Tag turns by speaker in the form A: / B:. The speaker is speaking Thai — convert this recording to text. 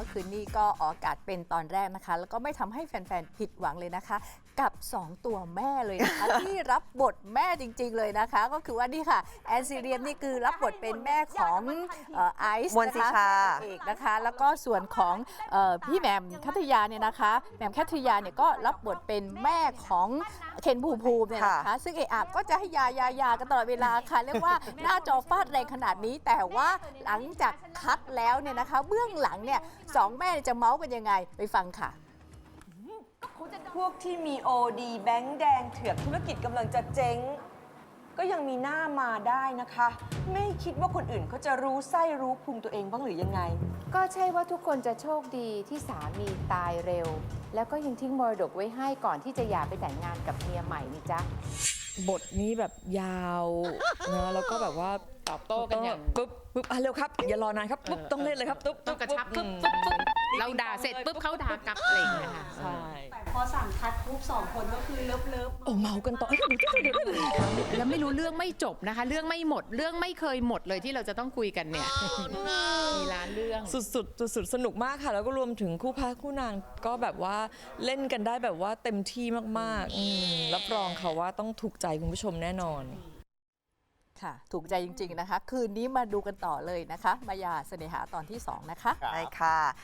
A: คืนนี้ก็ออกอากาศเป็นตอนแรกนะคะแล้วก็ไม่ทำให้แฟนๆผิดหวังเลยนะคะกับ2ตัวแม่เลยนะคะ ที่รับบทแม่จริงๆเลยนะคะก็คือว่านี่ค่ะแอนซีเรียมนี่คือรับบทเป็นแม่ของไอซ์
B: มนต์สิชา
A: เอกนะคะแล้วก็ส่วนของพี่แหม่มคัทยาเนี่ยนะคะแหม่มคัทยาเนี่ยก็รับบทเป็นแม่ของเคนภูมิภูมิเนี่ยนะคะซึ่งเอะก็จะให้ยากันตลอดเวลาค่ะเรียกว่าหน้าจอฟาดแรงขนาดนี้แต่ว่าหลังจากคัดแล้วเนี่ยนะคะเบื้องหลังเนี่ยสองแม่จะเมาส์กันยังไงไปฟังค่ะ
B: พวกที่มีโอดีแบงค์แดงเถือกธุรกิจกำลังจะเจ๊ง ก็ยังมีหน้ามาได้นะคะ ไม่คิดว่าคนอื่นเขาจะรู้ไส้รู้พุงตัวเองบ้างหรือยังไง
C: ก็ใช่ว่าทุกคนจะโชคดีที่สามีตายเร็ว แล้วก็ยังทิ้งมรดกไว้ให้ก่อนที่จะหย่าไปแต่งงานกับเมียใหม่นี่จ๊ะ
D: บทนี้แบบยาวนะแล้วก็แบบว่า
E: ตอบโต้กันอย่าง
D: ปุ๊บเร็วครับอย่ารอนานครับปุ๊บต้องเล่นเลยครับปุ๊บ
E: ต้องกระชับปุ๊บเราด่าเสร็จปุ๊บเขาด่ากลับอะไรอย่างเงี้ยค่ะ
D: ใช่
F: พอสั่งคัดปุ๊บ2 คนก็คือเลิฟ
D: โอ้เมากันต่อ
E: แล้วไม่รู้เรื่องไม่จบนะคะ เรื่องไม่หมดเรื่องไม่เคยหมดเลยที่เราจะต้องคุยกันเนี่ยมีล้านเรื่อง
D: สุดสนุกมากค่ะแล้วก็รวมถึงคู่พระคู่นางก็แบบว่าเล่นกันได้แบบว่าเต็มที่มากๆรับรองค่ะว่าต้องถูกใจคุณผู้ชมแน่นอน
A: ค่ะถูกใจจริงๆนะคะคืนนี้มาดูกันต่อเลยนะคะมายาเสน่หาตอนที่2นะคะ
B: ใช่ค่ะ